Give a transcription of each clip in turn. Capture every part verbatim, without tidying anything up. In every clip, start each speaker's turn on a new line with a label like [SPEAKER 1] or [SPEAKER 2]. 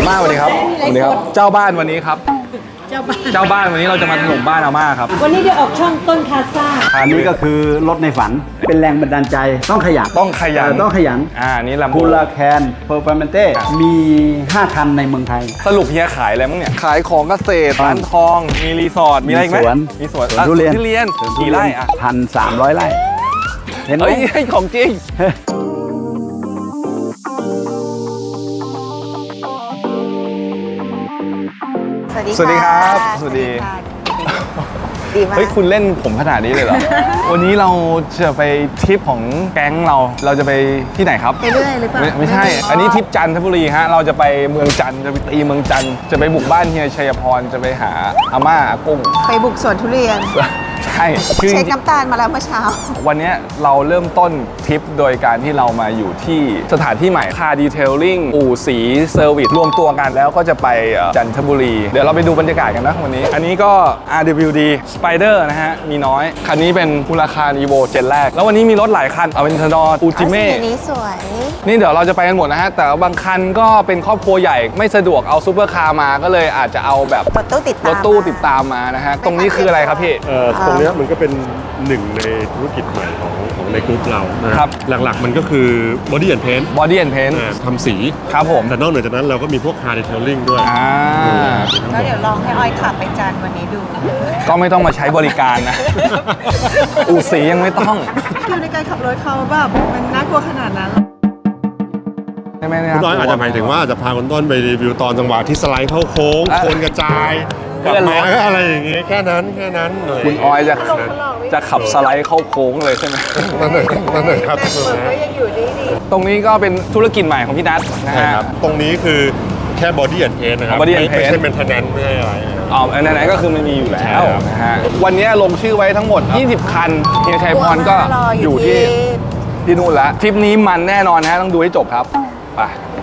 [SPEAKER 1] ม่าสวัสดีครับสวัสดีครับเจ้าบ้านวันนี้ครับ
[SPEAKER 2] เจ้าบ้าน
[SPEAKER 1] เจ้าบ้านวันนี้เราจะมาถล่มบ้านอาม่าครับ
[SPEAKER 2] วันนี้ได้ออกช่องต้นคาซ่า
[SPEAKER 3] อันนี้ก็คือรถในฝันเป็นแรงบันดาลใจต้องขยัน
[SPEAKER 1] ต้องขยัน
[SPEAKER 3] เออต้องขยัน
[SPEAKER 1] อ่านี่ลำ
[SPEAKER 3] คูลาแคนเพอร์ฟอร์แมนเต้มีห้าคันในเมืองไทย
[SPEAKER 1] สรุปเฮียขายอะไรมั้งเนี่ยขายของเกษตรร้านทองมีรีสอร์ทมีอะไรอีกไหม
[SPEAKER 3] สวน
[SPEAKER 1] มีสวน
[SPEAKER 3] สวนทุเรียน
[SPEAKER 1] ทุเรียนกี่ไร่อ่ะ
[SPEAKER 3] พันสามร้อยไร่เห็นไหม
[SPEAKER 1] เฮ้ยให้ของจริงสวัสดีครับสวัสดี
[SPEAKER 4] ดีมาก
[SPEAKER 1] เฮ้ยคุณเล่นผมขนาดนี้เลยเหรอ วันนี้เราจะไปทริปของแก๊งเราเราจะไปที่ไหนครับ
[SPEAKER 4] ไปเรื่อยหรือเปล่า
[SPEAKER 1] ไม่ไม่ใช่ อันนี้ทริปจันทบุรีฮะเราจะไปเมืองจันทร์จะไปตีเมืองจันทร์จะไปบุกบ้านเฮียชัยพรจะไปหาอาม่าอากุ้ง
[SPEAKER 4] ไปบุกสวนทุเรียน
[SPEAKER 1] ใช่คือจ
[SPEAKER 4] เช็ค
[SPEAKER 1] ริง
[SPEAKER 4] น้ำตาลมาแล้วเมื่อเช้า
[SPEAKER 1] ๆวันนี้เราเริ่มต้นทริปโดยการที่เรามาอยู่ที่สถานที่ใหม่คาร์ดีเทลลิ่งอู่สีเซอร์วิสรวมตัวกันแล้วก็จะไปเอ่อจันทบุรี เดี๋ยวเราไปดูบรรยากาศกันนะวันนี้ อันนี้ก็ อาร์ ดับเบิลยู ดี Spider นะฮะมีน้อยคันนี้เป็นมูลค่า Evo เจนแรกแล้ววันนี้มีรถหลายคัน Aventador อูจิเม่
[SPEAKER 4] สีนี้สวย
[SPEAKER 1] นี่เดี๋ยวเราจะไปกันหมดนะฮะแต่ว่าบางคันก็เป็นครอบครัวใหญ่ไม่สะดวกเอาซูเปอร์คาร์มาก็เลยอาจจะเอาแบบ
[SPEAKER 4] รถตู้ติดตาม
[SPEAKER 1] รถตู้ติดตามมานะฮะตรงนี้คืออะไรครับพี่
[SPEAKER 5] เอ่อตรงเนี้ยมันก็เป็นหนึ่งในธุรกิจใหม่ของของในกลุ่มเรานะครับ หลักๆมันก็คือ body and paint
[SPEAKER 1] Body and Paint
[SPEAKER 5] อ่าทำสี
[SPEAKER 1] ครับผม
[SPEAKER 5] แต่นอกเหนือจากนั้นเราก็มีพวก car detailing ด้วย
[SPEAKER 1] อ่า
[SPEAKER 4] แล้วเดี๋ยวลองให้ออยขับไปจันทร์วันนี้ดู
[SPEAKER 1] ก็ไม่ต้องมาใช้บริการนะ อู่สียังไม่ต้อง
[SPEAKER 4] คือในการขับรถเขาแบบมันน่ากลัวขนาดนั้น
[SPEAKER 1] ไม่ไม่
[SPEAKER 5] คุณน้อยอาจจะหมายถึงว่าจะพาคุณต้นไปรีวิวตอนจังหวะที่สไลด์เข้าโค้ง
[SPEAKER 1] อ่ะ
[SPEAKER 5] โคนกระจายกลับมาก็อะไรอย่างเงี้ยแค่นั้นแค่นั้นเลย
[SPEAKER 1] คุณออยจะจะขับสไลด์เข้าโค้งเลยใช่ไหม
[SPEAKER 5] นั่นเลยนั่นเลยครับ
[SPEAKER 4] แต่เปิดก็ยังอยู่ดีดี
[SPEAKER 1] ตรงนี้ก็เป็นธุรกิจใหม่ของพี่นัทนะ
[SPEAKER 5] ใช่
[SPEAKER 1] ฮะ
[SPEAKER 5] ครับตรงนี้คือแค่ body and paint นะครับ
[SPEAKER 1] Body and
[SPEAKER 5] ไม่
[SPEAKER 1] Paint
[SPEAKER 5] ใช่ maintenance ไม่ใช่อะไร
[SPEAKER 1] อ๋ออันไหนๆก็คือมันมีอยู่แล้
[SPEAKER 5] ใช่
[SPEAKER 1] ว
[SPEAKER 5] ครับ
[SPEAKER 1] นะฮะวันนี้ลงชื่อไว้ทั้งหมด ยี่สิบ คันเฮียชัยพรก็อยู่ที่ที่นู่นแล้วทริปนี้มันแน่นอนฮะต้องดูให้จบครับไป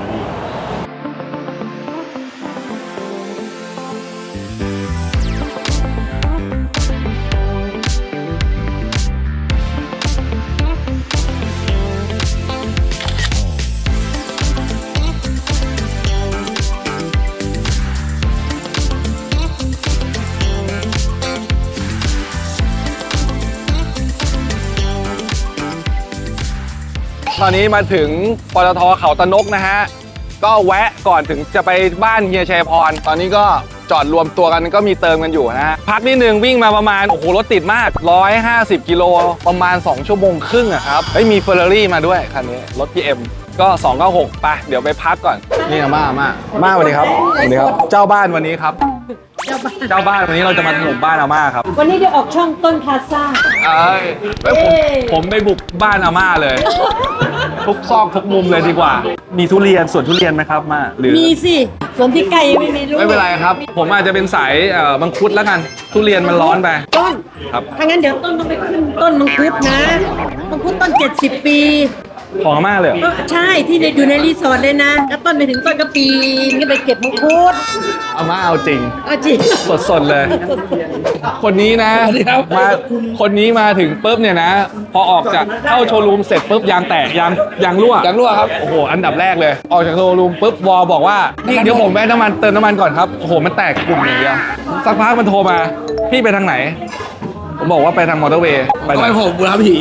[SPEAKER 1] ตอนนี้มาถึงปตทเขาตะนกนะฮะก็แวะก่อนถึงจะไปบ้านเฮียชัยพรตอนนี้ก็จอดรวมตัวกันก็มีเติมกันอยู่นะฮะพักนิดนึงวิ่งมาประมาณโอ้โหรถติดมากหนึ่งร้อยห้าสิบกิโลประมาณสองชั่วโมงครึ่งอะครับเฮ้ยมีเฟอร์รารี่มาด้วยคันนี้รถ พี เอ็ม ก็สองเก้าหกไปเดี๋ยวไปพักก่อนนี่อาม่าอาม่าอาม่าสวัสดีครับสวัสดีครับเจ้าบ้านวันนี้ครับ
[SPEAKER 2] เจ้าบ้าน
[SPEAKER 1] เจ้าบ้านวันนี้เราจะมาถล่มบ้านอาม่าครับ
[SPEAKER 2] วันนี้ได้ออกช่องต้นคาซ่า
[SPEAKER 1] เอ้ยเฮ้ยผมผมไปบุกบ้านอาม่าเลย ทุกซอกทุกมุมเลยดีกว่า มีทุเรียนสวนทุเรียนไหมครับมาหรือ
[SPEAKER 2] มีสิส่วนที่ไก่ไม่มีลูก
[SPEAKER 1] ไม่เป็นไรครับ ผมอาจจะเป็นสายเอ่อมังคุดแล้วกัน ทุเรียนมันร้อนไป
[SPEAKER 2] ต้น
[SPEAKER 1] ครับ
[SPEAKER 2] ถ้างั้นเดี๋ยวต้นต้องไปขึ้นต้นมังคุดนะมังคุดต้นเจ็ดสิบปี
[SPEAKER 1] ของอาม่าเลยเหรอ
[SPEAKER 2] เออใช่ที่ในอยู่ในรีสอร์ทเลยนะแล้วต้นไปถึงต้นก็ปีนก็ไปเก็บมังคุด
[SPEAKER 1] อาม่าเอาจริง
[SPEAKER 2] เอาจริง
[SPEAKER 1] สดๆเลย คนนี้นะมาคนนี้มาถึงปุ๊บเนี่ยนะ พอออกจากเข้าโชว์รูมเสร็จปุ๊บยางแตกยางยางรั่วยางรั่วครับโอ้โหอันดับแรกเลย ออกจากโชว์รูมปุ๊บวอบอกว่าพี่เดี๋ยวผมแวะน้ำมันเติมน้ำมันก่อนครับโอ้โหมันแตกกลุ่มอย่างเดียวสักพักมันโทรมาพี่ไปทางไหน ผมบอกว่าไปทางมอเตอร์เวย์ไปไหนผมบุรผี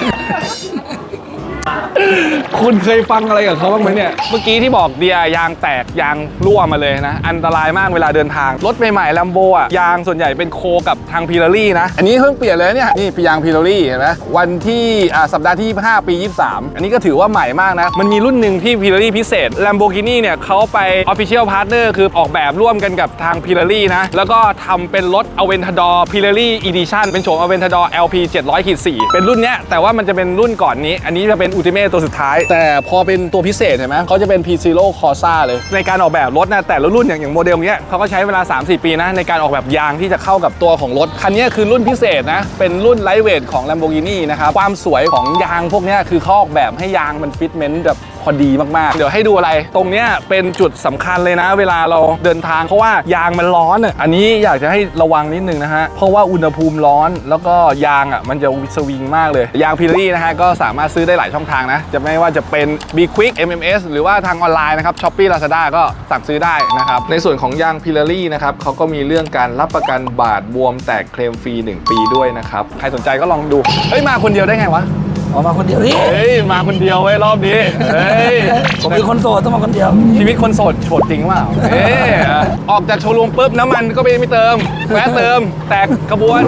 [SPEAKER 1] คุณเคยฟังอะไรกับเขาบ้างไหมเนี่ย เมื่อกี้ที่บอกเดียยางแตกยางรั่วมาเลยนะ อันตรายมากเวลาเดินทาง รถใหม่ๆ ลัมโบอ่ะ ยางส่วนใหญ่เป็นโคกับทางพีลารี่นะ อันนี้เพิ่งเปลี่ยนเลยเนี่ย นี่ยางพีลารี่เห็นไหมวันที่อ่าสัปดาห์ที่ยี่สิบห้าปียี่สิบสามอันนี้ก็ถือว่าใหม่มากนะ มันมีรุ่นหนึ่งที่พีลารี่พิเศษ Lamborghini เนี่ยเขาไป Official Partner คือออกแบบร่วมกันกับทางพีลารี่นะ แล้วก็ทำเป็นรถ Aventador Pirelli Edition เป็นโฉม Aventador แอล พี เจ็ดร้อย สี่ เป็นรุ่นเนี้ยแต่ว่ามันจะเป็นรุ่นก่อนนี้ อันนี้จะเป็น Ultimate ตัวสุดท้าย แต่พอเป็นตัวพิเศษเห็นไหมเขาจะเป็น P Zero Corsa เลยในการออกแบบรถนะแต่ละรุ่นอย่างอย่างโมเดลเนี้ยเขาก็ใช้เวลา สามถึงสี่ ปีนะในการออกแบบยางที่จะเข้ากับตัวของรถคันนี้คือรุ่นพิเศษนะเป็นรุ่นไลท์เวทของ Lamborghini นะครับความสวยของยางพวกนี้คือเขาออกแบบให้ยางมันฟิตเมนต์แบบโคพอดีมากๆเดี๋ยวให้ดูอะไรตรงเนี้ยเป็นจุดสำคัญเลยนะเวลาเราเดินทางเพราะว่ายางมันร้อนอ่ะอันนี้อยากจะให้ระวังนิดนึงนะฮะเพราะว่าอุณหภูมิร้อนแล้วก็ยางอ่ะมันจะสวิงมากเลยยางพิลลี่นะฮะก็สามารถซื้อได้หลายช่องทางนะจะไม่ว่าจะเป็น B Quick เอ็ม เอ็ม เอส หรือว่าทางออนไลน์นะครับ Shopee Lazada ก็สั่งซื้อได้นะครับในส่วนของยางพิลลี่นะครับเขาก็มีเรื่องการรับประกันบาดบวมแตกเคลมฟรีหนึ่งปีด้วยนะครับใครสนใจก็ลองดูเฮ้ยมาคนเดียวได้ไงวะ
[SPEAKER 6] ออกมาคนเดียวนี่
[SPEAKER 1] เฮ้ยมาคนเดียวเว้ยรอบนี้เฮ้ย
[SPEAKER 6] ผมเป็นคนโสดต้องมาคนเดียว
[SPEAKER 1] ชีวิตคนโสดโสดจริงเปล่าเอ้ยออกจากโชว์รูมปุ๊บน้ำมันก็ไปไม่เติมแวะเติมแตกกระบวน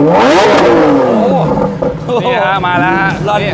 [SPEAKER 1] โอ้นี่ฮะมาแล้วฮะนี่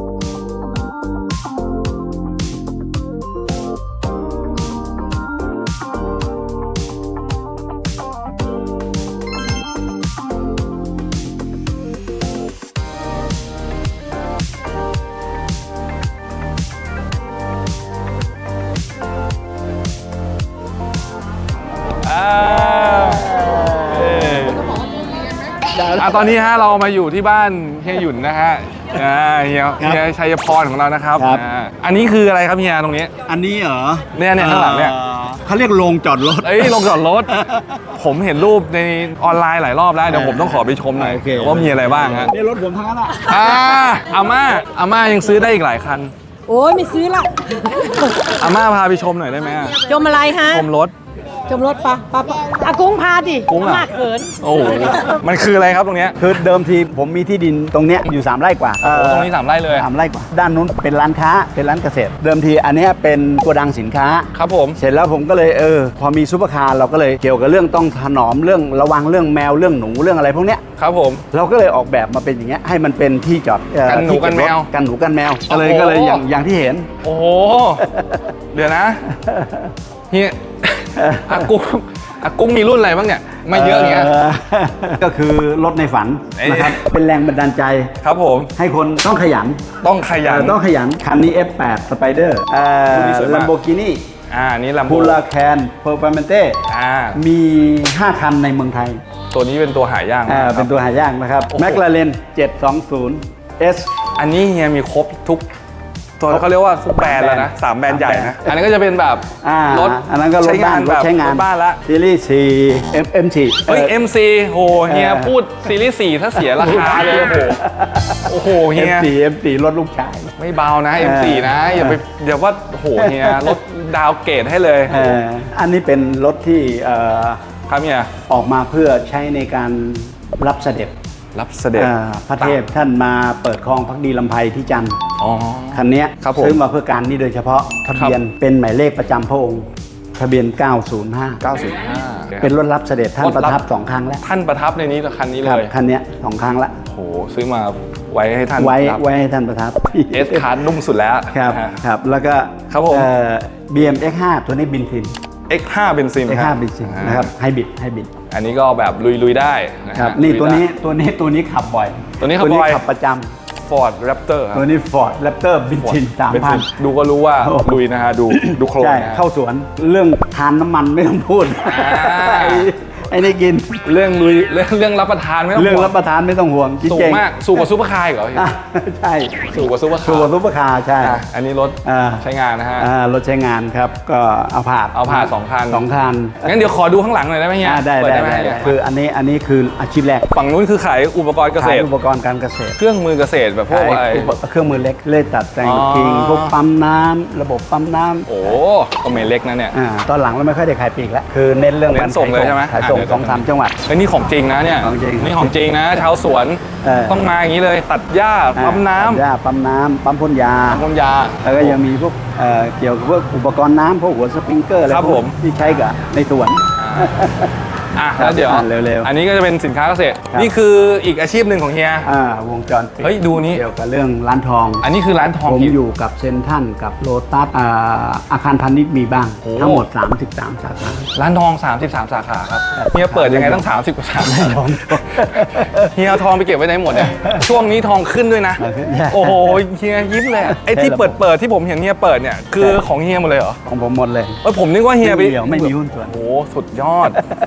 [SPEAKER 1] อ่ะตอนนี้ฮะเรามาอยู่ที่บ้านเฮียหยุ่นนะฮะอ่าเฮียเฮียชัยพรของเรานะครับ
[SPEAKER 3] ครับ
[SPEAKER 1] อ่าอันนี้คืออะไรครับเฮียตรงนี้
[SPEAKER 3] อันนี้เหรอ
[SPEAKER 1] เนี่ยเนี่ยข้างหลังเนี่ย
[SPEAKER 3] อ่อเขาเรียกโรงจอดรถ
[SPEAKER 1] เอ้ยลงจอดรถ ผมเห็นรูปในออนไลน์หลายรอบแล้วเดี๋ยวผมต้องขอไปชมหน่อย
[SPEAKER 3] โอเค
[SPEAKER 1] ว่ามีอะไรบ้างฮะ
[SPEAKER 3] นี่รถผมทั้งนั้นอ่ะ
[SPEAKER 1] อ่าอาม่าอาม่ายังซื้อได้อีกหลายคัน
[SPEAKER 2] โอ้ยไม่ซื้อละ
[SPEAKER 1] อาม่าพาไปชมหน่อยได้ไหมอะ
[SPEAKER 2] จมอะไรฮะ
[SPEAKER 1] ชมรถ
[SPEAKER 2] จมรถปะปะปะอากุ้งพาดิ
[SPEAKER 1] กุ้งอะ
[SPEAKER 2] มากเขิน
[SPEAKER 1] โอ้โหมันคืออะไรครับตรงเนี้ย
[SPEAKER 3] คือเดิมทีผมมีที่ดินตรงเนี้ยอยู่สามไร่กว่า
[SPEAKER 1] โอ้ตรงนี้สามไร่เลย
[SPEAKER 3] สามไร่กว่า ด้านนู้นเป็นร้านค้าเป็นร้านเกษตร เดิมทีอันเนี้ยเป็นโกดังสินค้า
[SPEAKER 1] ครับผม
[SPEAKER 3] เสร็จแล้วผมก็เลยเออพอมีซุปเปอร์คาร์เราก็เลยเกี่ยวกับเรื่องต้องถนอมเรื่องระวังเรื่องแมวเรื่องหนูเรื่องอะไรพวกเนี้ย
[SPEAKER 1] ครับผม
[SPEAKER 3] เราก็เลยออกแบบมาเป็นอย่างเงี้ยให้มันเป็นที่จอดเอ่อ
[SPEAKER 1] กันหนู
[SPEAKER 3] ที่เบ
[SPEAKER 1] กันแมว
[SPEAKER 3] รถกันหนูกันแมว
[SPEAKER 1] โอ้
[SPEAKER 3] ก็
[SPEAKER 1] โห
[SPEAKER 3] เลยก็เลยอย่างอย่างที่เห็น
[SPEAKER 1] โอ้โหเดี๋ยวนะเฮียอากุ้งอากุ้งมีรุ่นอะไรบ้างเนี่ยไม่เยอะอย่างเงี้ย
[SPEAKER 3] ก็คือรถในฝัน
[SPEAKER 1] เอ้ย
[SPEAKER 3] นะครับเป็นแรงบันดาลใจ
[SPEAKER 1] ครับผม
[SPEAKER 3] ให้คนต้องขยัน
[SPEAKER 1] ต้องขยัน
[SPEAKER 3] เอ่อต้องขยันคันนี้ เอฟ แปด Spider เอ่อ
[SPEAKER 1] รุ่นนี้สวยมาก
[SPEAKER 3] Lamborghini
[SPEAKER 1] อ่าอันนี้ลำโพ
[SPEAKER 3] พู
[SPEAKER 1] ง
[SPEAKER 3] ลาแคนเพอร์ฟอร์แมนเต้
[SPEAKER 1] อ่า
[SPEAKER 3] มี ห้า คันในเมืองไทย
[SPEAKER 1] ตัวนี้เป็นตัวหายาก
[SPEAKER 3] อ่า
[SPEAKER 1] นะครับ
[SPEAKER 3] เป็นตัวหายากนะครับ
[SPEAKER 1] โอ้โห
[SPEAKER 3] แมคลาเรนเจ็ดสองศูนย์ เอส
[SPEAKER 1] อันนี้เฮียมีครบทุกตัวเขาเรียกว่าทุกแบรนด์แล้วนะสามแบรนด์ใหญ่นะ อันนี้ก็จะเป็นแบบ
[SPEAKER 3] อ่าร
[SPEAKER 1] ถ
[SPEAKER 3] อันนั้นก็รถ
[SPEAKER 1] ใช้งา
[SPEAKER 3] บ้าน นร
[SPEAKER 1] แบ
[SPEAKER 3] ถ
[SPEAKER 1] บ
[SPEAKER 3] ใช้งาน
[SPEAKER 1] รถบ้านละ
[SPEAKER 3] ซีรีส์สี่ M M สี่
[SPEAKER 1] เฮ้ย เอ็ม ซี โหเฮียพูดซีรีส์สี่ถ้าเสียราคาเลยโอ้โหโอ้โหเฮี
[SPEAKER 3] เอ็ม
[SPEAKER 1] ย
[SPEAKER 3] สี่ เอ็ม สี่ รถลูกชาย
[SPEAKER 1] ไม่เบานะ เอ็ม ซี นะอย่าไปอย่าว่าโอ้โหเฮียรถดาวเกรดให้เลย
[SPEAKER 3] เอ่ออันนี้เป็นรถที่เอ่อ
[SPEAKER 1] ครับเฮีย
[SPEAKER 3] ออกมาเพื่อใช้ในการรับเสด็จ
[SPEAKER 1] รับเสด็จ
[SPEAKER 3] เอ่อพระเทพท่านมาเปิดคลองพักดีลำไพที่จันทร์
[SPEAKER 1] อ๋อ
[SPEAKER 3] คันเนี้ย
[SPEAKER 1] ครับผม
[SPEAKER 3] ซื้อมาเพื่อการนี้โดยเฉพาะทะเบียนเป็นหมายเลขประจำพระองค์ ทะเบียน เก้าศูนย์ห้า
[SPEAKER 1] เก้าสิบห้า
[SPEAKER 3] เป็นรถรับเสด็จท่าน
[SPEAKER 1] รถรับ
[SPEAKER 3] ประทับสองครั้งแล้ว
[SPEAKER 1] ท่านประทับในนี้กับคันนี้
[SPEAKER 3] ค
[SPEAKER 1] เล
[SPEAKER 3] รับ
[SPEAKER 1] ย
[SPEAKER 3] คันเนี้ยสองครั้งละ
[SPEAKER 1] โอ้โหซื้อมาไว้ให้ท่าน
[SPEAKER 3] ไว้
[SPEAKER 1] รับ
[SPEAKER 3] ไว้ให้ท่านประทับ
[SPEAKER 1] เอสคาร์นุ่มสุดแล้ว
[SPEAKER 3] ครับ
[SPEAKER 1] นะฮะ
[SPEAKER 3] ครับแล้วก็
[SPEAKER 1] ครับผม
[SPEAKER 3] เอ่อ บี เอ็ม เอ็กซ์ ห้า ตัวนี้บินซิน
[SPEAKER 1] เอ็กซ์ห้า เบนซิน
[SPEAKER 3] เอ็กซ์
[SPEAKER 1] ค
[SPEAKER 3] ห้า
[SPEAKER 1] รับ
[SPEAKER 3] บินซิน
[SPEAKER 1] อ่า
[SPEAKER 3] นะครับไฮบริดไฮบริด
[SPEAKER 1] อันนี้ก็แบบลุย ๆ ได้ะฮะ
[SPEAKER 3] ครับนี่
[SPEAKER 1] ลุย
[SPEAKER 3] ตัว
[SPEAKER 1] ได้
[SPEAKER 3] นี้ตัวนี้ตัวนี้ขับบ่อย
[SPEAKER 1] ตัวนี้ขับบ่อย
[SPEAKER 3] ขับประจ
[SPEAKER 1] Ford Raptor
[SPEAKER 3] ำ
[SPEAKER 1] ครับ
[SPEAKER 3] ตัวนี้ Ford Raptor บินซินสามพัน
[SPEAKER 1] ดูก็รู้ว่า
[SPEAKER 3] โอ้โห
[SPEAKER 1] ลุยนะฮะ ดูดูโครง
[SPEAKER 3] ใช่
[SPEAKER 1] นะฮะ
[SPEAKER 3] เข้าสวนเรื่องทานน้ำมันไม่ต้องพูด
[SPEAKER 1] อ่า
[SPEAKER 3] ไอ้ไอ้นี่กิน
[SPEAKER 1] เรื่องลุยเรื่องเรื่องรับประทานไม่ต้อง
[SPEAKER 3] เรื่อง
[SPEAKER 1] ห่ว
[SPEAKER 3] รับประทานไม่ต้องห่วงจริง
[SPEAKER 1] สูง
[SPEAKER 3] ๆ
[SPEAKER 1] มาก สูงกว่าซูเปอร์คาร์อีกเหรอ
[SPEAKER 3] อ่ะใช่
[SPEAKER 1] สูงกว่าซูเปอร์คา
[SPEAKER 3] สู
[SPEAKER 1] ร์
[SPEAKER 3] กว่าซุปเปอร์คาร์ใช่
[SPEAKER 1] อ่ะอันนี้รถ
[SPEAKER 3] อ่า
[SPEAKER 1] ใช้งานนะฮะ
[SPEAKER 3] อ่ารถใช้งานครับ ก็เอาผ่าน
[SPEAKER 1] เอาผ่านสองคัน
[SPEAKER 3] สองคัน
[SPEAKER 1] งั้นเดี๋ยวขอดูข้างหลังหน่อยได้ไหมเฮีย
[SPEAKER 3] อ่าได้
[SPEAKER 1] เปิ
[SPEAKER 3] ได้
[SPEAKER 1] หม
[SPEAKER 3] ได้
[SPEAKER 1] เฮีย
[SPEAKER 3] คืออันนี้อันนี้คืออาชีพแรก
[SPEAKER 1] ฝั่งนู้นคือขายอุปกรณ์เกษ
[SPEAKER 3] ขาย
[SPEAKER 1] ตร
[SPEAKER 3] อุปกรณ์การเกษตร
[SPEAKER 1] เครื่องมือเกษตรแบบพวก
[SPEAKER 3] ขาย
[SPEAKER 1] อะไร
[SPEAKER 3] อุปเครื่องมือเล็กเล่ตัดแต่ง
[SPEAKER 1] อ๋อ
[SPEAKER 3] กิ่งพวกปั๊มน้ำระบบปั๊มน้ำ
[SPEAKER 1] โอ้ก็ไม่เล็กนะเนี่ย
[SPEAKER 3] อ่าตอนหลังเราไม่ค่อยได้ขายปลีกแล้วคือเน้นเรื่อง
[SPEAKER 1] เน้นส่งเลยใช่ไหม
[SPEAKER 3] ขายส่ง
[SPEAKER 1] อ่ะเดี๋ยว
[SPEAKER 3] สองสามจังหวัด
[SPEAKER 1] เฮ้ยนี่ของจริงนะเนี่ย
[SPEAKER 3] ของจริง
[SPEAKER 1] นี่ของจริงนะชาวสวน
[SPEAKER 3] เออ
[SPEAKER 1] ต้องมาอย่างนี้เลย ตัดหญ้าปั๊มน้
[SPEAKER 3] อ่าย่าปั๊มน้ำปั๊มพ่นยา
[SPEAKER 1] ำพ่นยา
[SPEAKER 3] แล้วก็ยังมีพวกเอ่อเกี่ยวกับพวกอุปกรณ์น้ำพวกหัวสปริงเกอร์อะไร
[SPEAKER 1] ครับ
[SPEAKER 3] พวก
[SPEAKER 1] ผม
[SPEAKER 3] ที่ใช้กับในสวน
[SPEAKER 1] อ่ะแล้วเดี๋ยว
[SPEAKER 3] อ่ะเร็วๆ
[SPEAKER 1] อันนี้ก็จะเป็นสินค้าเกษตร
[SPEAKER 3] ครับ
[SPEAKER 1] นี่คืออีกอาชีพหนึ่งของเฮีย
[SPEAKER 3] อ่าวงจรปิด
[SPEAKER 1] เฮ้ยดูนี่
[SPEAKER 3] เกี่ยวกับเรื่องร้านทอง
[SPEAKER 1] อันนี้คือร้านทอง
[SPEAKER 3] ผม
[SPEAKER 1] กี่
[SPEAKER 3] อยู่กับเซนทรันกับโลตัสอ่าอาคารพาณิชย์มีบ้าง
[SPEAKER 1] โอ้
[SPEAKER 3] ทั้งหมด สามสิบสาม สาขา
[SPEAKER 1] ร้านทอง สามสิบสาม สาขาครับ
[SPEAKER 3] ครับ
[SPEAKER 1] เฮียเปิดยังไงตั้งสามสิบกว่าสาขาเฮียเอาทองไปเก็บไว้ไหนหมดเนี่ยช่วงนี้ทองขึ้นด้วยนะ โอ้โหเฮียยิ้มเลยอะไอ้ที่เปิดเปิดที่ผมเห็นเฮียเปิดเนี่ยคือของเฮียหมดเลยเหรอ
[SPEAKER 3] ของผมหมดเลย
[SPEAKER 1] เอ้ยผมนึกว่าเฮียไป
[SPEAKER 3] ไม่มีเดี่ยวไม่มีหุ้นส่วน
[SPEAKER 1] โอ้โหสุดยอด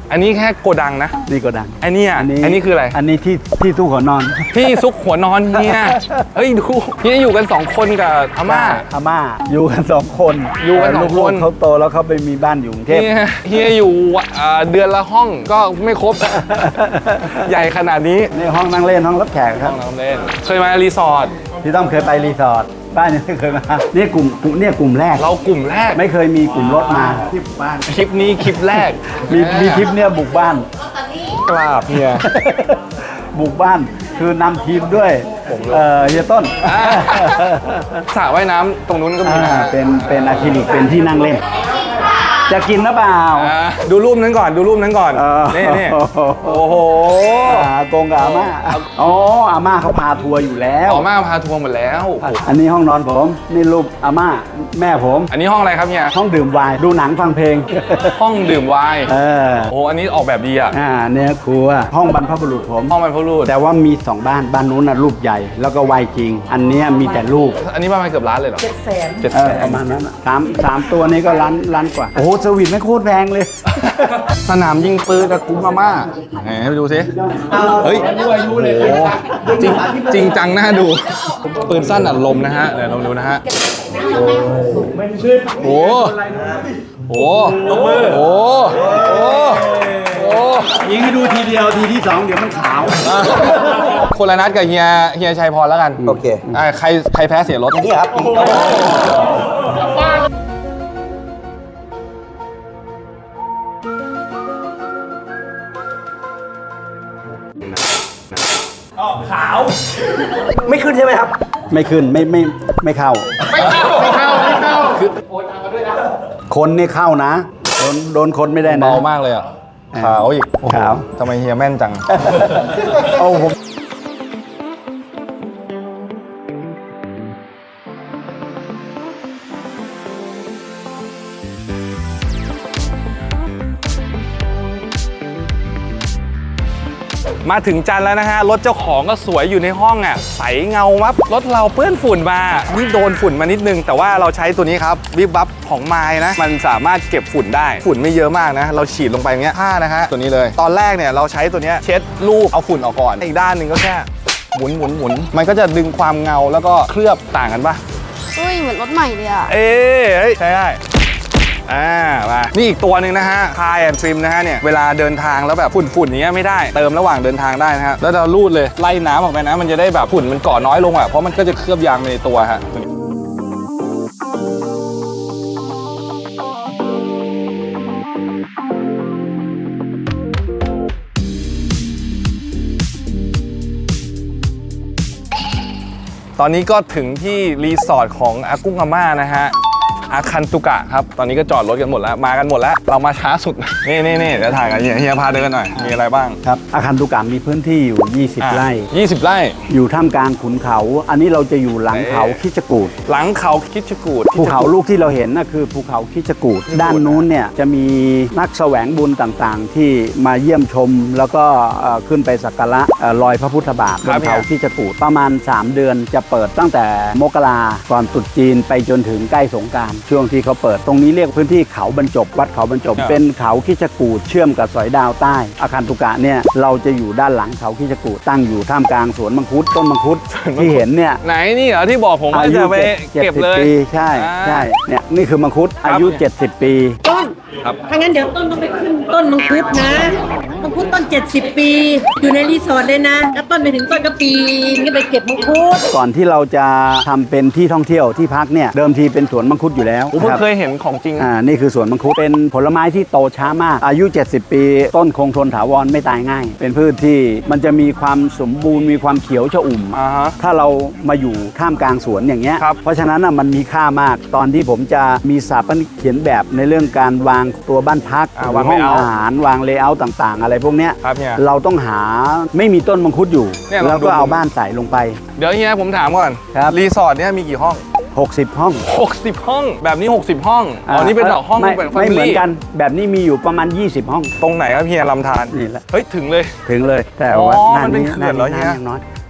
[SPEAKER 1] อันนี้แค่โกดังนะ
[SPEAKER 3] นี่ก็ดัง
[SPEAKER 1] อันนี้อ่ะอันนี้คืออะไร
[SPEAKER 3] อันนี้ที่ที่ตู้หัวนอน
[SPEAKER 1] ที่ซุกหัวนอนเฮียเฮ้ยดูเฮียอยู่กันสองคนกับอาม่า
[SPEAKER 3] อาม่าอยู่กันสองคน
[SPEAKER 1] อยู่กันสอง
[SPEAKER 3] ลู
[SPEAKER 1] คน
[SPEAKER 3] กๆเขาโตแล้วเขาไปมีบ้านอยู่กรุงเทพ
[SPEAKER 1] เฮียเฮียอยู่อ่าเดือนละห้องก็ไม่ครบ ใหญ่ขนาดนี้
[SPEAKER 3] นี่ห้องนั่งเล่นห้องรับแขกค
[SPEAKER 1] ห้
[SPEAKER 3] รั
[SPEAKER 1] อบ งน้ำเล่นเคยมารีสอร์ท
[SPEAKER 3] พี่ต้อมเคยไปรีสอร์ทบ้านนี้ไม่เคยมาเนี่ยกลุ่มกลุ่มเนี่ยกลุ่มแรก
[SPEAKER 1] เรากลุ่มแรก
[SPEAKER 3] ไม่เคยมีกลุ่มรถมาที่บุกบ้าน
[SPEAKER 1] คลิปนี้คลิปแรก
[SPEAKER 3] มีมีทริปเนี่ยบุกบ้าน
[SPEAKER 1] กราบเฮีย
[SPEAKER 3] บุกบ้านคือนำทีมด้วยเอ่อเฮียต้น
[SPEAKER 1] อ่า สระว่ายน้ำตรงนู้นก็มี
[SPEAKER 3] อ่า
[SPEAKER 1] นะ
[SPEAKER 3] เป็นเป็นอะคริลิกเป็นที่นั่งเล่น จะกินหรือเปล่า
[SPEAKER 1] อ่าดูรูปนั้นก่อนดูรูปนั้นก่อน
[SPEAKER 3] เออ
[SPEAKER 1] นี่นี่โอ้โห
[SPEAKER 3] อากงกับอาม่าอ๋ออาม่าเขาพาทัวร์อยู่แล้ว
[SPEAKER 1] ออกมาพาทัวร์หมดแล้ว
[SPEAKER 3] อันนี้ห้องนอนผมนี่รูปอาม่าแม่ผม
[SPEAKER 1] อันนี้ห้องอะไรครับเฮีย
[SPEAKER 3] ห้องดื่มไวน์ดูหนังฟังเพลง
[SPEAKER 1] ห้องดื่มไวน์
[SPEAKER 3] เออ
[SPEAKER 1] โอ้อันนี้ออกแบบดีอ่ะ
[SPEAKER 3] อ่าเนี่ยครัวห้องบรรพบุรุษผม
[SPEAKER 1] ห้องบรรพบุรุษ
[SPEAKER 3] แต่ว่ามีสองบ้านบ้านนู้นน่ะรูปใหญ่ แล้วก็ไวน์จริง อันเนี้ยมีแต่รูป
[SPEAKER 1] อันนี้ประมาณเกือบล้านเลยเหรอ
[SPEAKER 2] เจ็ดแสน
[SPEAKER 1] เจ็ด
[SPEAKER 3] เอ
[SPEAKER 1] แส
[SPEAKER 3] อน ประมาณนั้นน่ะสามสามตัวนี้ก็ล้านล้านกว่า โอ้โหสวิตไม่โคตรแพงเลย
[SPEAKER 1] สนามยิงปืนกับกุ้งมาม่าไหนให้ไปดูสิเฮ้ยโอ้จริงจริงจังน่าดู ปืนสั้นอัดลมนะฮะเดี๋ยวลองดูนะฮะโอ้โหโอ้โหโอ้โหโอ้
[SPEAKER 3] ยิงให้ดูทีเดียวทีที่สองเดี๋ยวมันขาว
[SPEAKER 1] คนละนัดกับเฮียเฮียชัยพรแล้วกัน
[SPEAKER 3] โอเค
[SPEAKER 1] อ่าใครใครแพ้เสียรถ
[SPEAKER 3] นี่ครับ
[SPEAKER 6] ไม่ขึ้นใช่ไหมครับ
[SPEAKER 3] ไม่ขึ้นไม่ไม่ไม่เข้า
[SPEAKER 1] ไม่เข้าไม่เข้าไม่เข้าคือ
[SPEAKER 3] คนนี่เข้านะ โดนโดนคนไม่ได้นะ
[SPEAKER 1] เบามากเลยอ่ะขาวอีกโอ้โห
[SPEAKER 3] ขาว
[SPEAKER 1] ทำไมเฮียแม่นจัง
[SPEAKER 3] โอ้ผม
[SPEAKER 1] มาถึงจันทร์แล้วนะฮะ รถเจ้าของก็สวยอยู่ในห้องอ่ะใสเงาวับรถเราเปื้อนฝุ่นมานี่โดนฝุ่นมานิดนึง แต่ว่าเราใช้ตัวนี้ครับวิบวับของไมล์นะ มันสามารถเก็บฝุ่นได้ฝุ่นไม่เยอะมากนะ เราฉีดลงไปอย่างเงี้ยผ้านะฮะตัวนี้เลย ตอนแรกเนี่ยเราใช้ตัวเนี้ยเช็ดรูปเอาฝุ่นออกก่อนอีกด้านหนึ่งก็แค่หมุนหมุนหมุนมันก็จะดึงความเงาแล้วก็เคลือบต่างกันปะ
[SPEAKER 7] เฮ้ย เหมือนรถใหม่เลยอ่ะ
[SPEAKER 1] เอ้ยเฮ้ยใช่ได้อ่ามานี่อีกตัวหนึ่งนะฮะคายแอนทริมนะฮะเนี่ยเวลาเดินทางแล้วแบบฝุ่นๆอย่างเงี้ยไม่ได้เติมระหว่างเดินทางได้นะฮะแล้วเราลูดเลยไล่น้ำออกไปนะมันจะได้แบบฝุ่นมันเกาะน้อยลงอ่ะเพราะมันก็จะเคลือบยางไปในตัวฮะตอนนี้ก็ถึงที่รีสอร์ทของอากุ้งอาม่านะฮะอาคันตุกะครับตอนนี้ก็จอดรถกันหมดแล้วมากันหมดแล้วเรามาช้าสุด นี่นี่นี่เดี๋ยวถ่ายกันเฮียเฮียพาเดินหน่อยมีอะไรบ้าง
[SPEAKER 3] ครับอาคารตุกามมีพื้นที่อยู่ ยี่สิบ
[SPEAKER 1] อ่ะ
[SPEAKER 3] ไร่
[SPEAKER 1] ยี่สิบไร่
[SPEAKER 3] อยู่ท่ามกลางขุนเขา อันนี้เราจะอยู่หลังเขาคิชกูด
[SPEAKER 1] หลังเขาคิดชกูด
[SPEAKER 3] ภูเขาลูกที่เราเห็นน่ะคือภูเขาคิชกูดด้านนู้นเนี่ยจะมีนักแสวงบุญต่างๆ ที่มาเยี่ยมชม แล้วก็เอ่อขึ้นไปสักการะเอ่อรอยพระพุทธบาทบนเขาคิชกูดประมาณ สาม เดือนจะเปิดตั้งแต่มกราก่อนตรุษจีนไปจนถึงใกล้สงกรานต์ช่วงที่เขาเปิดตรงนี้เรียกพื้นที่เขาบรรจบวัดเขาบรรจบ เป็นเขาคิชกูดเชื่อมกับสอยดาวใต้อาคารตุกะเนี่ยเราจะอยู่ด้านหลังเขาคิชกูดตั้งอยู่ท่ามกลางสวนมังคุดต้นมังคุดที่เห็นเนี่ย
[SPEAKER 1] ไหนนี่เหรอที่บอกผมว่า
[SPEAKER 3] อายุ
[SPEAKER 1] จะไป
[SPEAKER 3] เจ็ด
[SPEAKER 1] เก็บ
[SPEAKER 3] สิบ
[SPEAKER 1] เลย
[SPEAKER 3] ปีใช่
[SPEAKER 1] อ่า
[SPEAKER 3] ใช่เนี่ยนี่คือมังคุดอายุ เจ็ดสิบ ปี
[SPEAKER 2] ต้น
[SPEAKER 1] ครับ
[SPEAKER 2] ถ้างั้นเดี๋ยวต้นต้องไปขึ้นต้นมังคุดนะมังคุดต้นเจ็ดสิบปี อยู่ในรีสอร์ทเลยนะแล้วต้นไปถึงต้นก็ปีนก็ไปเก็บมังคุด
[SPEAKER 3] ก่อนที่เราจะทำเป็นที่ท่องเที่ยวที่พักเนี่ยเดิมทีเป็นสวนมังคุดอยู่แล้ว
[SPEAKER 1] ผมเพิ่ง
[SPEAKER 3] ครับ
[SPEAKER 1] เคยเห็นของจริง
[SPEAKER 3] อ่านี่คือสวนมังคุดเป็นผลไม้ที่โตช้ามากอายุ เจ็ดสิบ ปี ต้นคงทนถาวรไม่ตายง่าย เป็นพืชที่มันจะมีความสมบูรณ์มีความเขียวชอุ่ม
[SPEAKER 1] อ่าฮะ
[SPEAKER 3] ถ้าเรามาอยู่ท่ามกลางสวนอย่างเงี้ย
[SPEAKER 1] ครับ
[SPEAKER 3] เพราะฉะนั้นน่ะมันมีค่ามากตอนที่ผมจะมีสถาปนิกเขียนแบบในเรื่องการวางตัวบ้านพัก
[SPEAKER 1] อ่าวาง
[SPEAKER 3] ห้อง
[SPEAKER 1] layout
[SPEAKER 3] อาหารวางเลเยอร์ต่างๆ อะไรพวกเนี้ย
[SPEAKER 1] ครับเฮีย
[SPEAKER 3] เราต้องหาไม่มีต้นมังคุดอยู่
[SPEAKER 1] เนี่ยลอง
[SPEAKER 3] แล้ว
[SPEAKER 1] ดู
[SPEAKER 3] ก็เอาบ้านใส่ลงไป
[SPEAKER 1] เดี๋ยวเฮียผมถามก่อน
[SPEAKER 3] ครับ
[SPEAKER 1] รีสอร์ทเนี้ยมีกี่ห้อง
[SPEAKER 3] หกสิบ ห้อง
[SPEAKER 1] หกสิบ ห้อง แบบนี้ หกสิบ ห้องอ๋อนี่เป็นห้อง
[SPEAKER 3] ไม่
[SPEAKER 1] เป็น
[SPEAKER 3] ไม่เหมือน
[SPEAKER 1] family
[SPEAKER 3] กันแบบนี้มีอยู่ประมาณ ยี่สิบ ห้อง
[SPEAKER 1] ตรงไหนครับเฮียลำธาร
[SPEAKER 3] นี่แหละ
[SPEAKER 1] เฮ้ยถึงเลย
[SPEAKER 3] ถึงเลยแต่
[SPEAKER 1] อ๋อ
[SPEAKER 3] ว่าหา
[SPEAKER 1] มันเป็นเขื่อนเหรอ
[SPEAKER 3] หา
[SPEAKER 1] เฮีย
[SPEAKER 3] ยังน้อย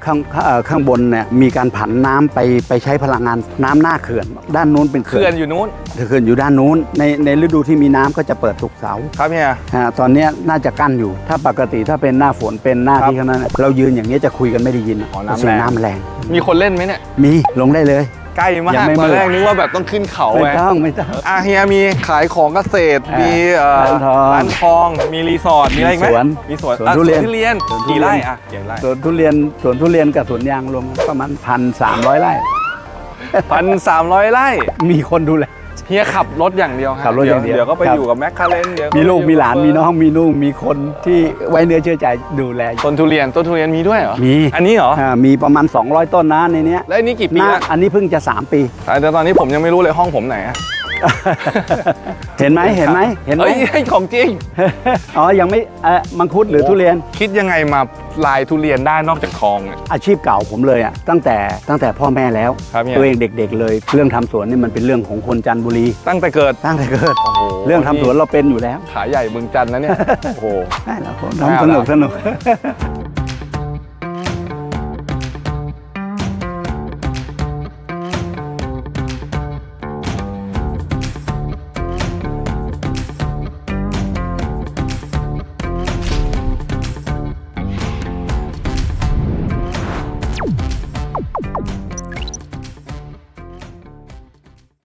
[SPEAKER 3] ข้างเอ่อข้างบนเนี่ยมีการผันน้ำไปไปใช้พลังงานน้ำหน้าเขื่อน ด้านนู้นเป็นเขื่
[SPEAKER 1] เขื่
[SPEAKER 3] อ
[SPEAKER 1] อน นอยู่นู้น
[SPEAKER 3] เขื่อนอยู่ด้านนู้นในในฤดูที่มีน้ำก็จะเปิดทุกเสาร์
[SPEAKER 1] ครับเฮีย
[SPEAKER 3] ฮะตอนเนี้ยน่าจะกั้นอยู่ ถ้าปกติถ้าเป็นหน้าฝนเป็นหน้า
[SPEAKER 1] ครับ
[SPEAKER 3] ที่เขานั้นน่ะเรายืนอย่างนี้ยจะคุยกันไม่ได้ยิน
[SPEAKER 1] อ๋อน้ำ
[SPEAKER 3] เสีย
[SPEAKER 1] แรง
[SPEAKER 3] น้ำแรง
[SPEAKER 1] มีคนเล่นไหมเนี่ย
[SPEAKER 3] มีลงได้เลย
[SPEAKER 1] ใกล้มาก
[SPEAKER 3] ยังไม่
[SPEAKER 1] ตอน
[SPEAKER 3] มืด
[SPEAKER 1] แรกนึกว่าแบบต้องขึ้นเขา
[SPEAKER 3] ไม่
[SPEAKER 1] ไง
[SPEAKER 3] ต้องไม่ต้อง
[SPEAKER 1] อาเฮียมีขายของเกษตร
[SPEAKER 3] อ่ามี
[SPEAKER 1] มีเอ่อ
[SPEAKER 3] ร้านทอง
[SPEAKER 1] ร้านทอง มีรีสอร์ท มีอะไรอีกไหม
[SPEAKER 3] มีสวน
[SPEAKER 1] มีสวน
[SPEAKER 3] สวน
[SPEAKER 1] อ่ะ
[SPEAKER 3] ทุเรียน
[SPEAKER 1] ทุเรียน
[SPEAKER 3] สวนทุเรียน
[SPEAKER 1] กี่ไร่อ่ะกี่ไร่
[SPEAKER 3] สวนทุเรียนสวนทุเรียนกับสวนยางรวมประมาณพันสามร้อยไร่
[SPEAKER 1] พันสามร้อยไร่
[SPEAKER 3] มีคนดูแล
[SPEAKER 1] เฮียขับรถอย่างเดียวฮะ
[SPEAKER 3] ขับรถอย่างเดียว
[SPEAKER 1] เดี๋ยวก็ไป
[SPEAKER 3] ครับ
[SPEAKER 1] อยู่กับแมคคาเรนเดี๋ยว
[SPEAKER 3] มีลูก
[SPEAKER 1] ไปอยู่
[SPEAKER 3] มีหลาน
[SPEAKER 1] กับ
[SPEAKER 3] มีน้องมีนุ่งมีคนที่ไว้เนื้อเชื่อใจดูแล
[SPEAKER 1] ต้นทุเรียนต้นทุเรียนมีด้วยเหรอ
[SPEAKER 3] มี
[SPEAKER 1] อันนี้เหรอ
[SPEAKER 3] อ่ามีประมาณ สองร้อย ต้นนะในเนี้ย
[SPEAKER 1] แล้วอันนี้กี่ปี
[SPEAKER 3] หน้า
[SPEAKER 1] แล้ว
[SPEAKER 3] อันนี้เพิ่งจะ สาม ปี
[SPEAKER 1] แต่ตอนนี้ผมยังไม่รู้เลยห้องผมไหนอะ
[SPEAKER 3] เห็นไหมเห็นไหมเห็นไหม
[SPEAKER 1] เฮ้ยของจริง
[SPEAKER 3] อ๋อยังไม่เอ่อมังคุดหรือทุเรียน
[SPEAKER 1] คิดยังไงมาลายทุเรียนได้นอกจากทองเนี่ย
[SPEAKER 3] อาชีพเก่าผมเลยอ่ะตั้งแต่ตั้งแต่พ่อแม่แล้ว
[SPEAKER 1] ครับเนี่ย
[SPEAKER 3] ตัวเองเด็กๆเลย เรื่องทำสวนนี่มันเป็นเรื่องของคนจันทบุรี
[SPEAKER 1] ตั้งแต่เกิด
[SPEAKER 3] ตั้งแต่เกิด
[SPEAKER 1] โอ้โห
[SPEAKER 3] เรื่องทำสวนเราเป็นอยู่แล้ว
[SPEAKER 1] ขาใหญ่เมืองจันทร์นะเนี่ย โอ้โห
[SPEAKER 3] ได้แล้วผม
[SPEAKER 1] ไม่เอา
[SPEAKER 3] ทำสนุก
[SPEAKER 1] แล้ว
[SPEAKER 3] สนุก